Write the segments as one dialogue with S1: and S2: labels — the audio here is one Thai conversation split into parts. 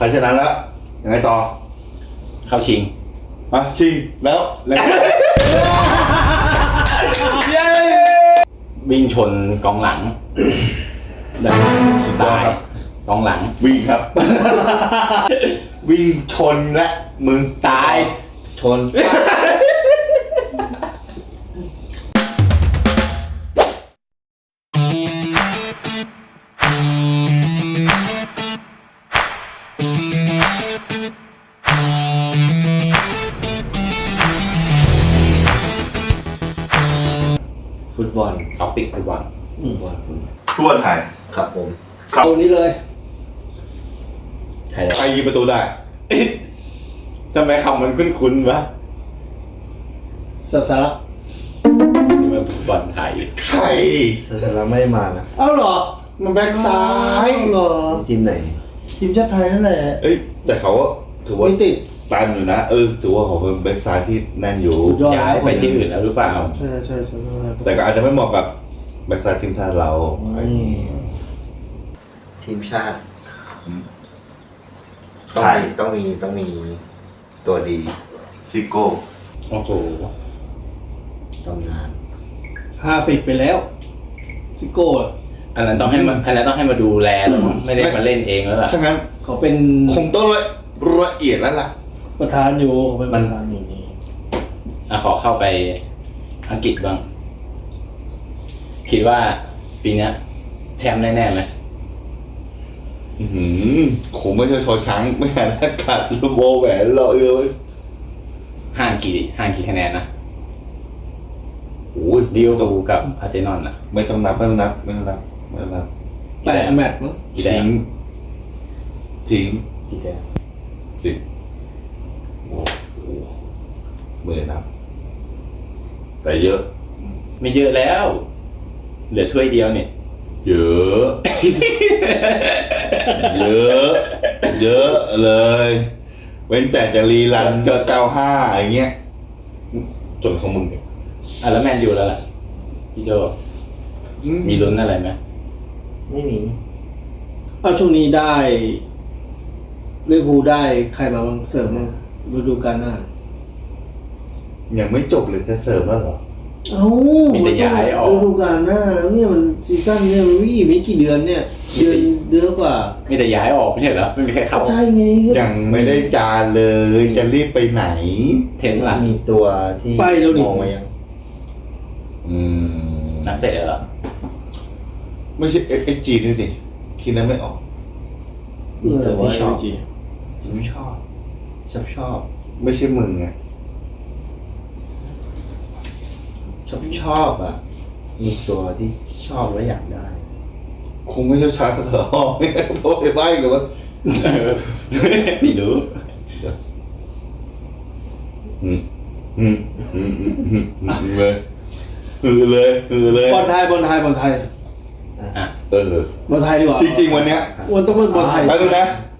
S1: ชนะแล้วยังไงต่อ
S2: เข้าชิง
S1: ชิงแล้ว
S2: วิ่งชนกองหลังตายกองหลัง
S1: วิ่งครับ วิ่งชนและมึง
S2: ตาย
S3: ชนฟุตบอล
S2: ท็อปิกฟุตบอล
S1: ทั่วไทย
S3: ครับผม
S4: เอานี้เลย
S3: ไทย
S1: ใครยิงประตูได้
S2: ทำไมคำมันคุ้นๆวะ
S4: สาระ
S2: นี่มันฟุตบอลไทย
S1: ใคร
S3: สาระไม่ได้มานะ
S4: เอ้าเหรอ
S1: มันแบ็คซ้าย
S4: เหรอ
S3: ทีมไหน
S4: ทีมชาติไทยนั่นแหละ
S1: แต่เขาถือว่า
S4: ไม่ติด
S1: ตันอยู่นะถือว่าเขาเป็นแบ็คซ้ายที่แน่นอยู่
S4: สุดยอด
S2: ย้ายไปที่อื่นแล้วหรือเปล่า
S4: ใช่ใช่ใช่
S1: แต่ก็อาจจะไม่เหมาะกับแบ็คซ้ายทีมชาติเรา
S3: ทีมชาติ
S1: ใช่
S3: ต้องมีตัวดี
S1: ซิโก้
S2: โอ้โห
S3: ตำนาน
S4: 50ไปแล้วพี่โก้อะ
S2: อันนั้นต้องให้มาดูแลแล้วมั้งไม่ได้มาเล่นเองแล้วล่ะ
S1: ถ้างั้น
S4: เขาเป็น
S1: คงต้องละเอียดแล้วล่ะ
S4: ประธานอยู่เขาเป็นประธานอยู่นี่
S2: ขอเข้าไปอังกฤษบ้างคิดว่าปีนี้แชมป์แน่ๆไหม
S1: คงไม่ใช่ชอช้างไม่หาอากาศลูโบแหวนรอเลย
S2: ห่างกี่คะแนนนะ
S1: โอ้ย
S2: ลิเวอร์พูลกับอาร์เซนอลน่ะ
S1: ไม่ต้องนับ
S4: 8 แมตช์มั้ง
S2: กี่แต้ม
S1: ทิ้ง
S3: กี่แต้ม
S1: 10โอ้โหเมื่อนับแต่เยอะ
S2: ไม่เยอะแล้ว เหลือถ้วยเดียวเนี่ย
S1: เยอะ เยอะเยอะเลยเว้นแต่จะรีรันจน95อย่างเงี้ยจนของมึงเนี่ย
S2: แล้วแมนยูแล้วล่ะพี่โจมีลุ้นอะไรไหม
S3: ไม่มี
S4: เอาช่วงนี้ได้ลิเวอร์พูลได้ใครมาบ้างเสริมบ้างฤดูกาลหน้า
S1: ยังไม่จบเลยจะเสริมแล้วเหรอ
S4: เอ้า
S2: มีแต่ย้ายออก
S4: ฤดูกาลหน้าแล้วเนี่ยมันซีซั่นเนี่ยมันวิ่งไม่กี่เดือนเนี่ยเดือนกว่า
S2: มีแต่ย้ายออกไม่ใช่เหรอไม่มีใครเข้า
S4: ใช่ไง
S1: ยังไม่ได้จานเลยจะรีบไปไหน
S2: เทนหลัง
S3: มีตัวที่
S4: ไปแล้วดิ
S3: มองมายัง
S2: นักเตะเหรอ
S1: ไม่ใช่SGนี่สิคิดนั้นไม่ออก
S3: มีตัวที่ชอบ
S4: จริง
S3: ผมชอบ
S1: ไม่ใช่มึงไง
S3: ชอบอ่ะ มีตัวที่ชอบและอยากได้
S1: คงไม่ใช่ช้างเสือหอกเพราะไปใบ้กันว่า
S2: ไม่รู้
S1: เลยเลย
S4: บอลไทย
S2: อ่ะ
S4: บอลไทยดีกว่า
S1: จริงๆวันเนี้ย
S4: วันต้องเป็นบอลไทย
S1: ไปดูนะ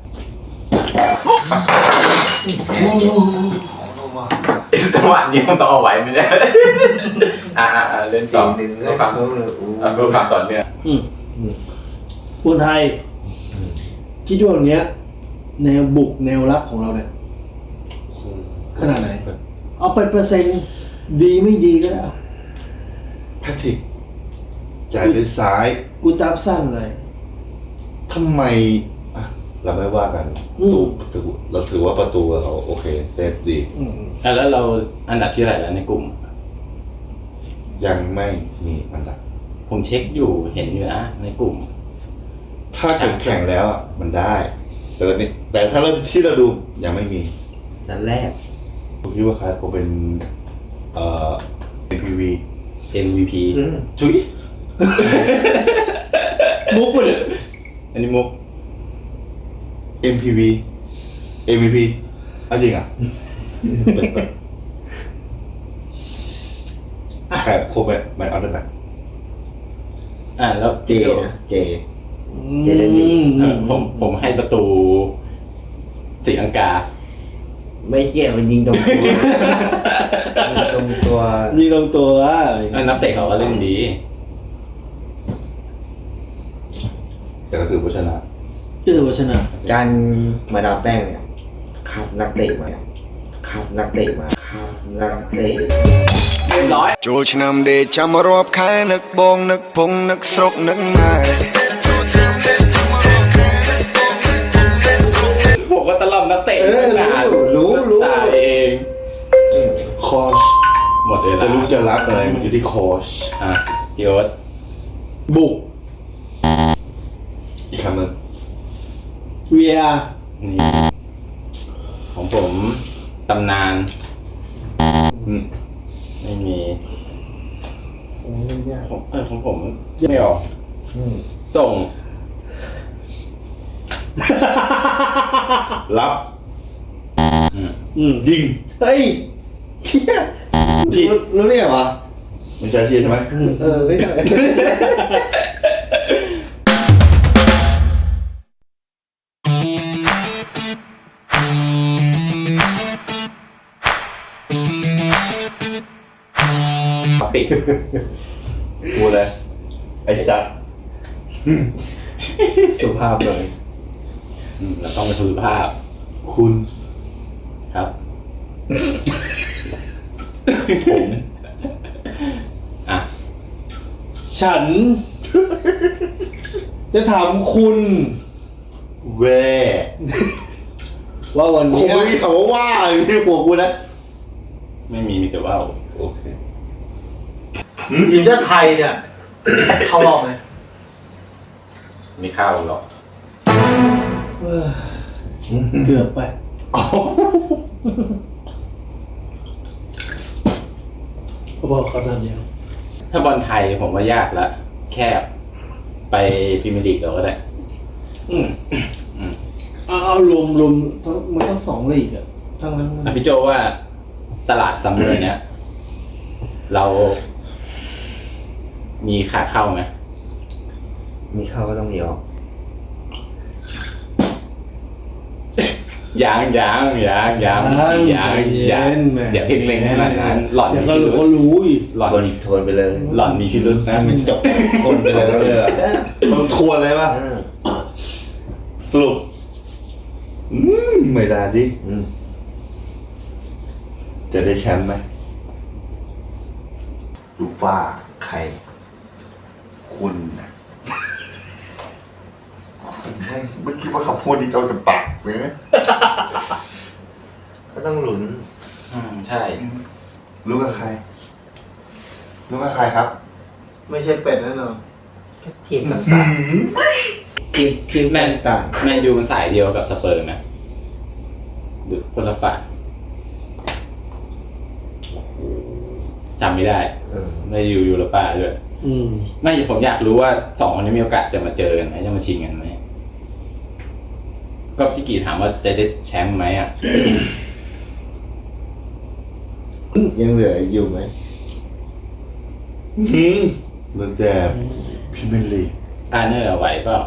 S2: จังหวะนี้ต้องเอาไว้ไม่ได้เล่นต่อ
S3: หนึ่ง
S2: เพื่อความต่อเนื่อง
S4: บอลไทยคิดว่าวันเนี้ยแนวบุกแนวรับของเราเนี่ยขนาดไหนเอาเป็นเปอร์เซ็นต์ดีไม่ดีก็ได้
S1: แพทริกจ่ายด้วยซ้าย
S4: กูตับสั้นเลย
S1: ทำไมเราไม่ว่ากันเราถือว่าประตูเขาโอเคเซฟดี
S2: แล้วเราอันดับที่เท่าไหร่แล้วในกลุ่ม
S1: ยังไม่มีอันดับ
S2: ผมเช็คอยู่เห็นอยู่นะในกลุ่ม
S1: ถ้าแข่งแล้วมันได้ แต่ถ้าเราที่เราดูยังไม่มี
S3: นัดแรก
S1: ผมคิดว่าใครก็เป็นNPV
S2: MVP
S1: จุ๊ย
S4: มุกเลย
S2: อันนี้มุก
S1: MPV MVP เอาจริงอ่ะใครโคเป็นมันเอาได้ไหม
S2: แล้ว
S3: เจนะเจเล่นดี
S2: ผมให้ประตูศรีลังกา
S3: ไม่เกี่ยวมันยิงตรงตัว ยิงตรงตัว
S4: ยิงตรงตัว
S2: นักเตะเขาก็เล่นดี
S1: แต่ก็คือผู้ชนะ
S4: ก็ถือว่าชนะ
S3: การมาดามแป้งเนี่ยคัดนักเตะมาคัดนักเตะมาคัดนักเตะ
S2: เรียบร้อย
S5: ចូលឆ្នាំដេកចាំរាប់ខែនឹកបងនឹកពងនឹកស្រុកនឹកម៉ែ
S2: ผมก็ตะล่อมนักเตะนาน
S3: รู้
S2: ตายเอง
S1: คอส
S2: หมดเวลา
S1: จะรู้จะรับอะไรมันอยู่ที่คอส
S2: อ่ะพี่โอ๊ต
S4: บุก
S1: อีกคำหนึ่ง
S4: VR
S2: นี่ของผมตำนาน
S1: อืม
S2: ไม่มี
S4: โอ้ยยาก
S2: ของผมไม่ออก ส่ง
S1: รับ
S4: ยิงเฮ้ยเหี้ย
S2: ผิด
S4: รู้ได้ไงวะ
S1: ไม่ใช่ที่ใช่ไหม
S4: ไม่ใช่
S2: ปิด
S1: พูดเลยไอ้สัตว์
S4: สุภาพเลย
S2: แล้วต้องเป็นสุภาพ
S1: คุณ
S2: ครับ
S1: ผม
S2: อ่ะ
S4: ฉัน จะถามคุณ
S1: แว่
S4: ว่าวัน
S1: คง
S4: เนี้ย
S1: ไม่มีคำว่าว่าอยู่ในหัวกูนะ
S2: ไม่มีแต่ว่า
S1: โอเค
S4: ทีมชาติไทยเนี่ย เข้ารอบไหม
S2: ไม่เข้าหรอก
S4: เกือบไป ก็บอกเขานั่นเดียว
S2: ถ้าบอลไทยผมว่ายากละแคบไปพรีเมียร์ลีกเราก็ได้
S4: เอารวมทั้งมันต้อง2 ลีกอะทั้งนั้น
S2: อ่ะพี่โจว่าตลาดซัมเมอร์เนี้ย เรา มีขาเข้าไหม
S3: มีเข้าก็ต้องมีออก
S2: ยังเดี๋ยวเพ่งเล็งขนาดนั้นหล่อน
S4: เดี๋ยว
S2: มี
S4: ก็
S2: พิรุ
S4: รู้
S2: ธ
S4: รู้อีก
S2: หล่อน
S3: ทนไปเลย
S2: หล่อนมีพิรุธนะมันจบ
S3: ทนไปเลยก็เลย
S1: ต้องทวนเลยป่ะ สรุปไม่ได้ดิ จะได้แชมป์ไหมลูกฟ้า
S3: ใคร
S1: คุณนะไม่คิดว่าคำพูดนี้จะเอาจากปากเลยนะ
S3: ก็ต้องหลุน
S2: ใช่
S1: รู้กับใคร รู้กับใครครับ
S4: ไม่ใช่เป็ดแน่นอน
S3: ก็ทีมต่างๆทีม
S2: แมน
S3: ต่าง
S2: แมนยูมันสายเดียวกับสเปอร์ไหมหรือคนละฝ่ายจำไม่ได้ ไม่อยู่ยูโรป้าด้วย ไม่ผมอยากรู้ว่า2 คนนี้มีโอกาสจะมาเจอกันไหมจะมาชิงกันไหมก็พี่กีถามว่าจะได้แชมป์ไหมอ่ะ
S3: ยังเหลืออยู่ไหม
S1: เรื่องแต่พิมพ์ลีก
S2: อาร์เนอร์ไหวเปล่า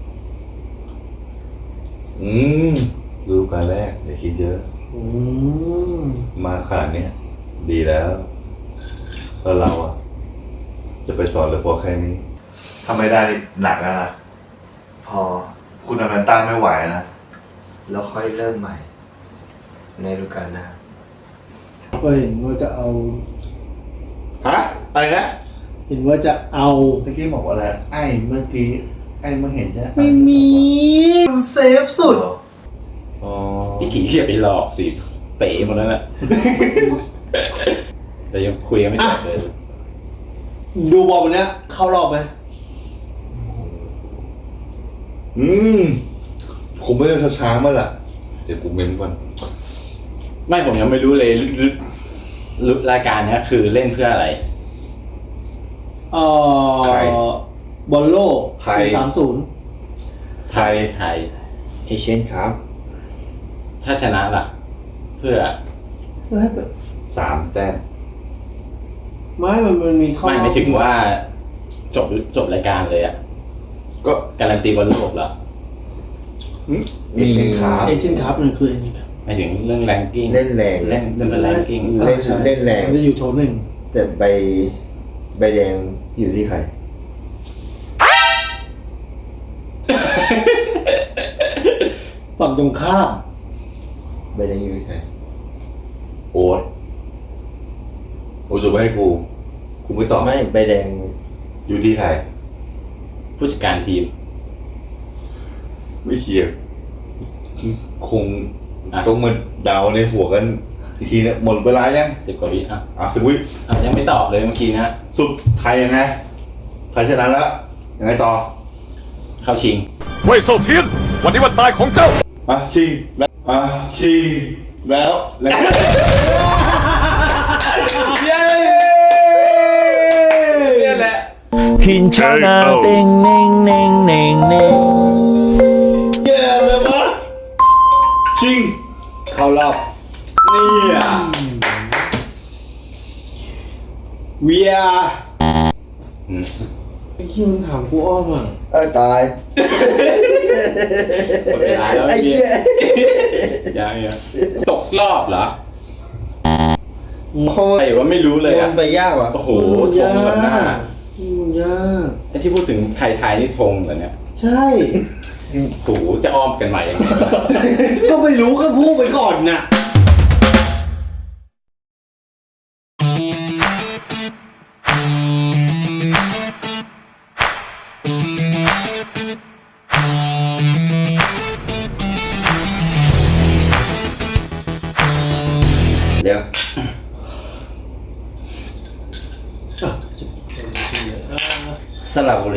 S1: ฤดูกาลแรกอย่าคิดเยอะ มาขนาดเนี้ยดีแล้วแล้วเราอ่ะ จะไปต่อเลยพอแค่นี้ทำไม่ได้นี่หนักแล้วนะ
S3: พอ
S1: คุณอนันต้าไม่ไหวนะ
S3: แล้วค่อยเริ่มใหม่ ในฤดูกาลหน้า
S4: ก็เห็นว่าจะเอา
S1: ฮะ อะไรนะ
S4: เห็นว่าจะเอา
S1: เมื่อกี้บอกว่าอะไร ไอ้เมื่อกี้ ไอ้เมื่อเห็นจะ
S4: ไม่มีเซฟสุด
S1: อ๋อ
S2: พี่กีอย่าไปหลอกสิเป๋หมดแล้วน่ะ แต่ยังคุยกันไม่จบเลย
S4: ดูบอลวันเนี้ย เข้ารอบไหม
S1: คงไม่ได้ช้าๆมาล่ะ เดี๋ยวกูเม้นก่อน
S2: ไม่ผมยังไม่รู้เลยรายการเนี้ยคือเล่นเพื่ออะไร
S1: ใคร
S4: บอลโลก
S1: ใคร
S4: ปี30
S1: ไทย
S3: เอเชียนครับ
S2: ถ้าชนะล่ะ เพื่อ
S1: 3 แต้ม
S4: มันมีข้อ
S2: ไม่ไม่ถึงว่าจบรายการเลยอ่ะ
S1: ก็
S2: การันตีบอลโลกเหรอ
S1: เอเชียนคาร์
S4: เอเจนต์ครับมันคือเอเจนต์ครับ
S2: ไม่ถึงเรื่องแรงกิ้ง
S3: เล่นแรง
S2: เล่นเป็นแรงกิ้ง
S3: เล่นแรง
S4: มันจะอยู่โถหนึ่ง
S3: แต่ใบแดงอยู่ที่ใคร
S4: ฝั่งตรงข้าม
S3: ใบแดงอยู่ที่ไหน
S1: โอ๊ตโอ๊ตจะไปให้กูไม่ตอบ
S3: ไม่ใบแดง
S1: อยู่ที่ใคร
S2: ผู้จัดการทีม
S1: ไม่เชียร์คงต้องมาเดาในหัวกันอีกทีเนี่ยหมดเวลายัง
S2: 10 กว่าวิอ่ะ
S1: สิบวิ
S2: ยังไม่ตอบเลยเมื่อกี้นะ
S1: สุดไทยยังไงไทยชนะแล้วยังไงต่อ
S2: เข้าชิง
S6: เว่ยเซาเทียน วันนี้วันตายของเจ้า
S1: ชิงแล้วชิงแล้ว
S2: เย้เนี่ยแหละ
S7: หินชานาเต็งเน่งเน่งเน่งเน่ง
S1: แย่เลยวะชิง
S4: เข้ารอบ
S2: เนี่ย
S4: VR
S2: อืม
S4: ไอ้ที่มันถามกูอ้อมอ่ะ
S3: ตาย
S2: หมดเวลาแล้ว
S3: ไอ้เหี้ย
S2: ยังตกรอบเหรอ
S3: โคต
S2: ใครว่าไม่รู้เลยอ่ะ
S3: ไปยากว่ะ
S2: โอ้โหธงแบบหน้า
S4: มันยาก
S2: ไอ้ที่พูดถึงไทยๆนี่ธงเหรอเนี่ย
S4: ใช่
S2: โอ้โหจะอ้อมกันใหม่ยังไงวะ
S4: ก็ไม่รู้ก็พูดไปก่อนน่ะ
S3: เดี๋ยวสระบุรี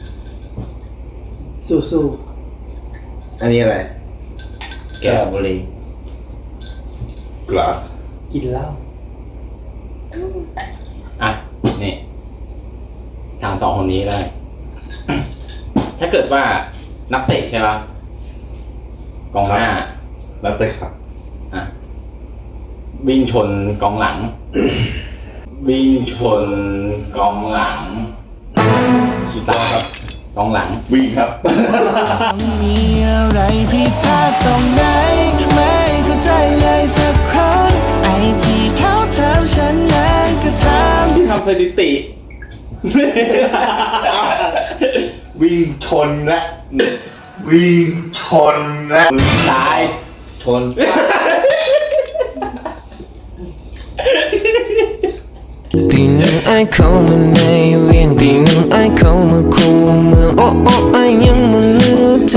S4: สู้
S3: อันนี้อะไรสระบุรี
S1: กลาส
S4: ๆกินเหล้า
S2: อ่ะนี่ถามสองคนนี้ได้ ถ้าเกิดว่านักเตะใช่ปะกองหน้า
S1: แล้วแต่ครับ
S2: อ่ะวิ่งชนกองหลัง วิ่งชนกองหลังสุดท้ายครับกองหลัง
S1: วิ่งครับ
S7: มีอะไรผิดพลาดตรงไหนไม่เข้าใจเลยสักครั้งไอ้ที่เขาถามฉันนั้นก็ถาม
S2: ทำสถิติ
S1: วิ่งชนและวิ่งชนและ
S2: ตาย
S3: ชน
S7: ตีหนึ่งไอ้เข้ามาในเวียงตีหนึ่งไอ้เข้ามาคูเมืองโอ้โอ้ไอ้ยังมาลืมเธอ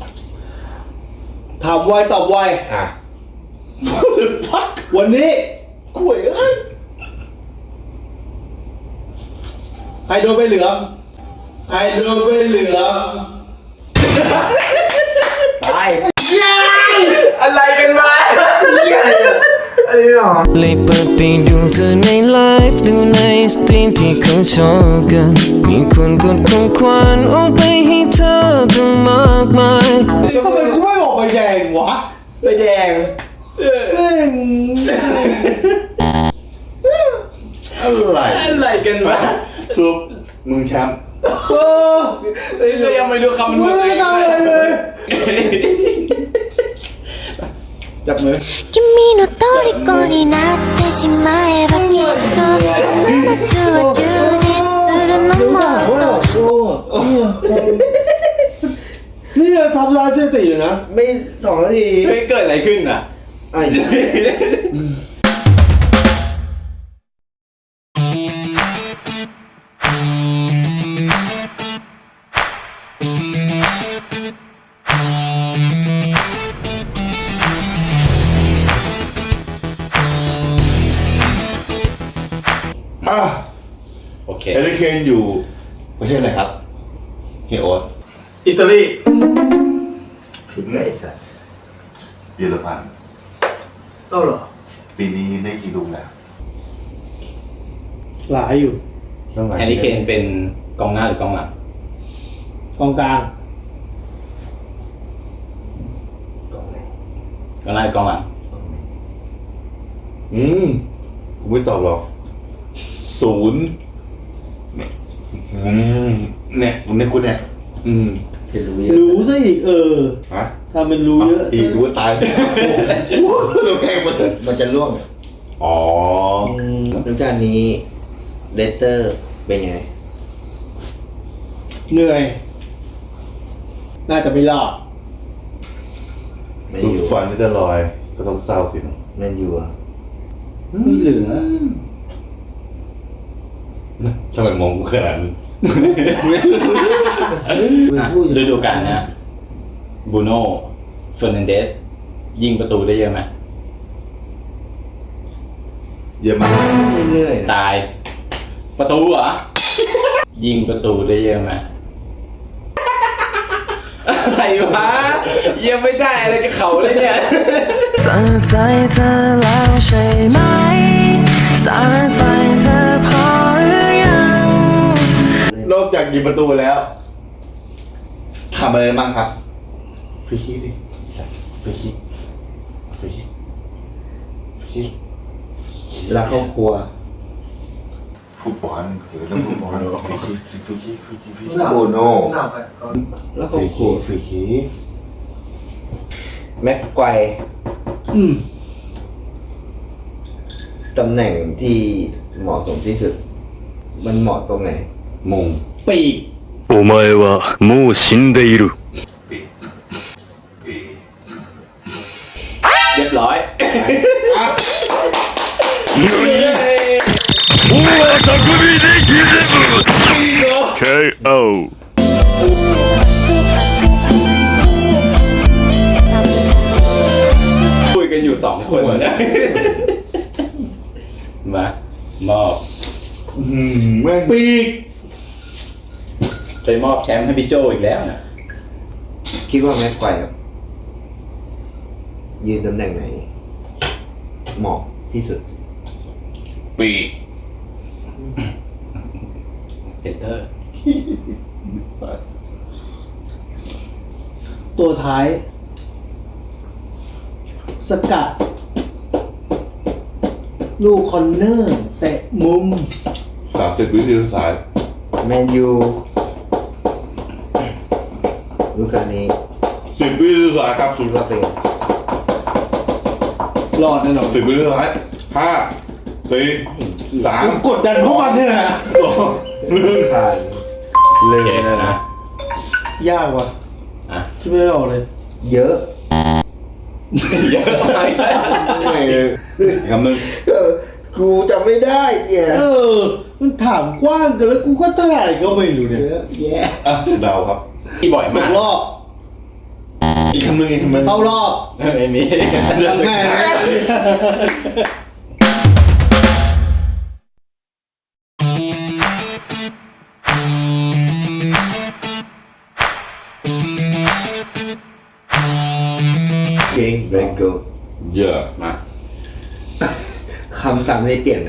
S4: ถามไวตอบไว
S3: อ่ะ
S4: วันนี้
S1: ข่วยเอ้ย
S4: ใครโดนใบเหลืองใครโดนใบเหลือง
S3: ตาย
S2: อะไรกันวะ
S3: อันนี้หรอ
S7: เลยเปิดไปดูเธอในไลฟ์ดูในสตรีมที่เขาชอบกันมีคนกดของขวัญเอาไปให้เธอตั้งมากมาย
S4: ทำไมกูไม่บอกใบแดงวะ
S3: ใบแดง
S4: แม่ง
S1: อะไร
S2: อะไรกันวะ
S1: ซุปมึงแชมป์
S2: ก็ยังไม่รู้คำมัน
S4: ไม่ได้ทำอะไรเลย
S2: จับมือ
S8: 君の虜になってしまえばきっとこの夏は充実するのもっと
S4: นี่เราทำลายสถิติอยู่นะ
S3: ไม่2 นาที
S2: เฮ้ยเกิดอะไรขึ้นอ่ะ
S3: ไอ้
S2: โอเค
S1: เอลิเคนอยู่ประเทศอะไรครับเฮียโอ๊ต
S2: อิตาลี
S3: ผิดเลยสัส
S1: เยอรมัน
S4: เอ้าเหรอ
S1: ปีนี้ได้กี่ลูกแล้ว
S4: หลายอยู่
S2: แฮร์รี่เคนเป็นกองหน้าหรือกองหลัง
S4: กองกลาง
S2: กองหน้าหรือกองหลัง
S1: กูไม่ตอบหรอก0เนี่ยเนี่ยกูเนี่ย
S3: จะรู้เยอะ
S4: รู้ซะอีก
S1: ฮะ
S4: ถ้ามันรู้เยอะ
S1: อีกรู้ว่าตายแพงหมดเลย
S3: มันจะร่วง
S1: อ๋อ
S3: ฤดูกาลนี้เลสเตอร์เป็นไง
S4: เหนื่อย น่าจะไม่รอด
S3: ไม่
S1: ดู
S3: อยู่
S1: ฟันที่จะลอยก็ต้องเศร้าสินะ
S3: แมนยูอะ
S4: ไม่เหลือ
S1: ทำไมมองกูขนาดนั้น
S2: ฤดูกาลเนี้ยบูโน่เฟอร์นันเดสยิงประตูได้เยอะไหม
S1: เยอะมาก
S3: เรื่อย
S2: ตาย ประตูเหรอ ยิงประตูได้เยอะไหมอะไรวะยังไม่ได้อะไรกับเขาเลยเนี่ย
S7: สั่งใจเธอแล้วใช่ไหมสั่งใจเธอพอหรือยัง
S1: นอกจากยิงประตูแล้วทำอะไรบ้างครับฟรีคิกดิฟรีคิกฟรีคิกฟรีคิก
S3: ๆรักครอบครัว
S1: ฟุตบอลถือเรื่องฟุตบอลฟรีคิกฟรีคิกฟรีคิกฟรีคิก
S3: บูโน่
S1: แล้วก็ครูฟรีคิก
S3: แม็กไกวร์
S4: อืม
S3: ตำแหน่งที่เหมาะสมที่สุด มันเหมาะตรงไหน
S1: มง
S4: ปีก
S6: お前はもう死んでいる。
S1: ปีปี
S2: เรียบร้อย
S6: 大技組でギゼブ KO。
S2: คุยกันอยู่2 คนมามอบ
S1: แม่ง
S4: ปีก
S2: ไปมอบแชมป์ให้พี่โจอีกแล้วนะ
S3: คิดว่าแม็กไกวร์ครับยืนตำแหน่งไหน เหมาะที่สุด
S1: ปี
S2: เซนเตอร์
S4: ตัวท้าย สกัด ลูกคอนเนอร์เตะมุม
S1: 30 วินาทีสุดท้าย
S3: แมนยูลูกการนี้
S1: 10 วินาทีสุดท้ายครับ
S3: คิดว่าเป็น
S4: รอดแน่นอน
S1: 10 วินาทีสุดท้าย5 4
S4: กูกดดันพวกมันเนี่ยนะ
S1: 3
S3: ผ่าน
S2: โอเคนะ
S4: ยากว่ะ
S2: อ่ะ
S4: คิดไม่ออกเลย
S3: เยอะ
S2: เยอะไป
S1: คำหนึ่ง
S3: กูจำไม่ได้เหี้ย
S4: เออ มันถามกว้างเกินแล้วกูก็เท่าไหร่ก็ไม่รู้เนี่ย
S3: เยอะแยะ
S1: อ่ะเดาครับ
S2: ที่บ่อย
S4: ต
S2: มาก
S4: กรอบ
S1: อีกคำหนึ่งอีกคำหนึ่ง
S4: เข้ารอบ
S2: ไม่มี
S4: แม่
S3: เก่ง very good
S1: เยอะ
S2: มา
S3: คำซ้ำได้เปลี่ยนไหม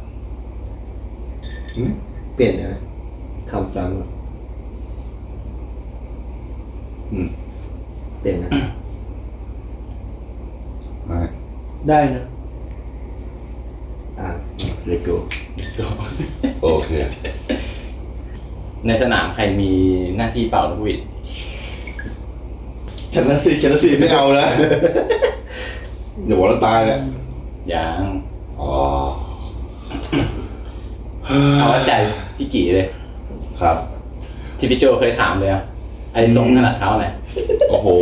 S1: หืม
S3: เปลี่ยนได้ไหมคำซ้ำอะ เปลี่ยนไหม
S1: ไม่
S4: ได้นะ
S3: very good
S1: โอเค
S2: ในสนามใครมีหน้าที่เป่านกหวีด
S1: ชนะสิไม่เอานะอย่าบอกว่าตายเลย
S2: ยัง
S1: อ๋อ
S2: เอาวัดใจพี่กี่เลย
S1: ครับ
S2: ที่พี่โจเคยถามเลยอะไอ้ทรงขนาดเท้าไหน
S1: โอ้โห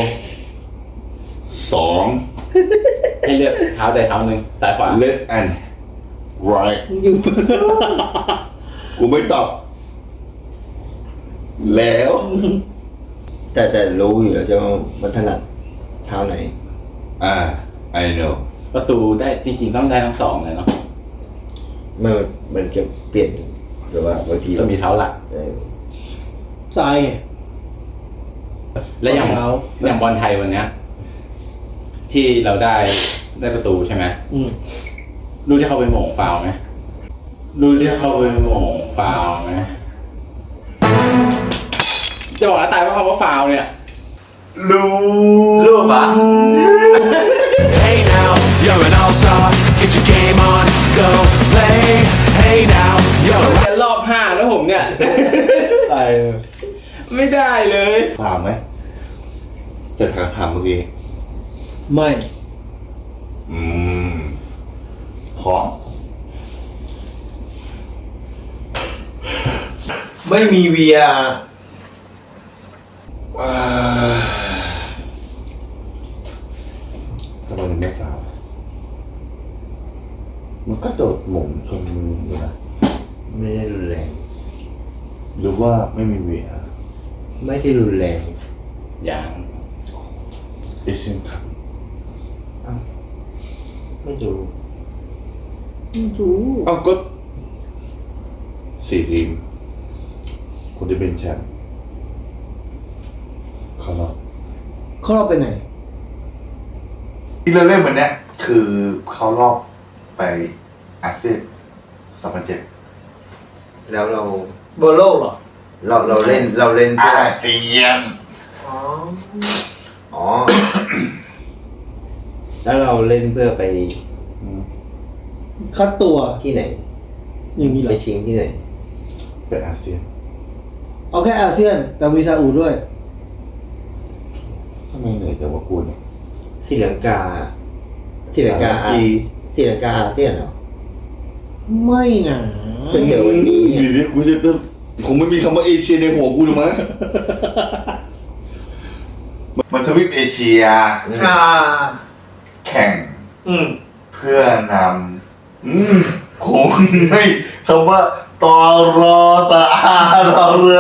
S1: 2
S2: ให้เลือกเท้าใดเท้าหนึ่งซ้ายขวา
S1: left and right
S4: อยู่
S1: กูไม่ตอบ แล้ว
S3: แต่รู้อยู่แล้วใช่ไหมว่ามันถนัดเท้าไหน
S1: I know
S2: ประตูได้จริงๆต้องได้ทั้ง 2เลยเนาะ
S3: มันจะเปลี่ยนหรือว่าบางที
S2: ต้องมีเท้าหลัก
S4: ซ้ายไง
S2: และอย่าง
S4: เท้า
S2: อย่างบอลไทยวันเนี้ย ที่เราได้ประตูใช่ไหม
S4: อืม
S2: รู้ที่เขาไปโหม่งฟาวล์ไหมรู้ที่เขาไปโหม่งฟาวล์ไหมจะบอกนะตายว่าคำว่าฟาวล์เนี่ย รู้ปะ
S7: Hey now you're an all-star get your game on go play Hey now you're
S2: แค่รอบ5แล้วผมเนี่ย
S1: ตาย
S2: ไม่ได้เลย
S1: ถามไหม จะถามเมื่อกี้
S4: ไม่
S1: พร้อม
S3: ไม่มี VR
S1: เก็โดดหม่งชนมืออยู่นะ
S3: ไม่ได้รุนแรง
S1: หรือว่าไม่มีเวีย
S3: ไม่ได้รุนแรง
S2: อย่าง
S1: เอเชียนคัพ
S3: ไม่ดู
S1: เอ้าก็4 ทีม คนที่เป็นแชมป์เขารอบ
S4: เขาเราไปไหน
S1: ที่เราเล่นวันเนี้ยคือเขารอบไปอาเซียน2007
S3: แล้วเรา
S4: เบอร์โลกเหรอ
S3: เราเล่นเพื่อ
S1: อาเซียน
S3: อ๋อ แล้วเราเล่นเพื่อไป
S4: คัดตัว
S3: ที่ไหน
S4: อย่างนี้เหร
S3: ไป
S4: อ
S3: ชิงที่ไหน
S1: ไปอาเซียน
S4: เอาแค่อาเซียน แต่มีซาอุด้วย
S1: ทำไมเหนื่อยจังวะกูเนี่ย
S3: ศรีลังกาศรีลังกา
S1: จี
S3: ศรีลังกาอาเซียนเหรอ
S4: ไม่นะ
S3: เป็นเดี๋ยววันนี้
S1: ดีดิกูจะต้องคงไม่มีคำว่าเอเชียในหัวกูหรอกมั้ง มันทวีปเอเชีย แข่ง เพื่อนำคงไม่คำว่าตอรอสะอารอเรือ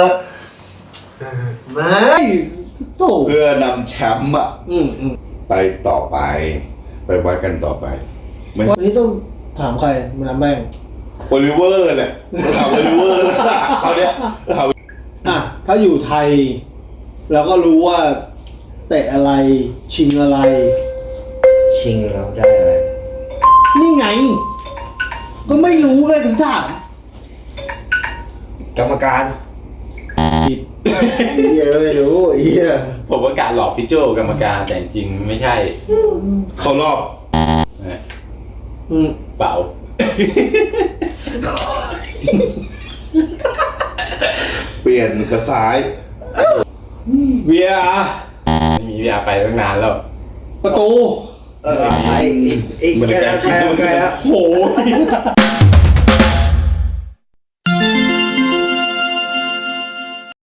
S4: ไม่โถ
S1: เพื่อนำแชมป์อะ
S4: อืม
S1: ไปต่อไป ไปวัดกันต่อไปไม่
S4: วันนี้ต้องถามใครมาน้ำแบง
S1: โอลิเวอร์แหละถามโอลิเวอร์เขาเนี้ยถาม
S4: อ่ะ ถ้าอยู่ไทย เราก็รู้ว่าเตะอะไร ชิงอะไร
S3: ชิงแล้วได้อะไร
S4: นี่ไง ก็ไม่รู้เลยถึงถาม
S3: กรรมการ
S4: ผิด
S3: เหี้ยไม่รู้เหี้ย
S2: ผมประกาศหลอกพี่โจกรรมการแต่จริงไม่ใช่
S1: เขารอบ
S4: อืม
S2: เปล่า
S1: เปลี่ยนกระซ้าย
S4: เวีย
S2: ไม่มีเวลาไปตั้งนานแล้ว
S4: ประตู
S3: ไอ้ใกล้แล้ว
S4: โห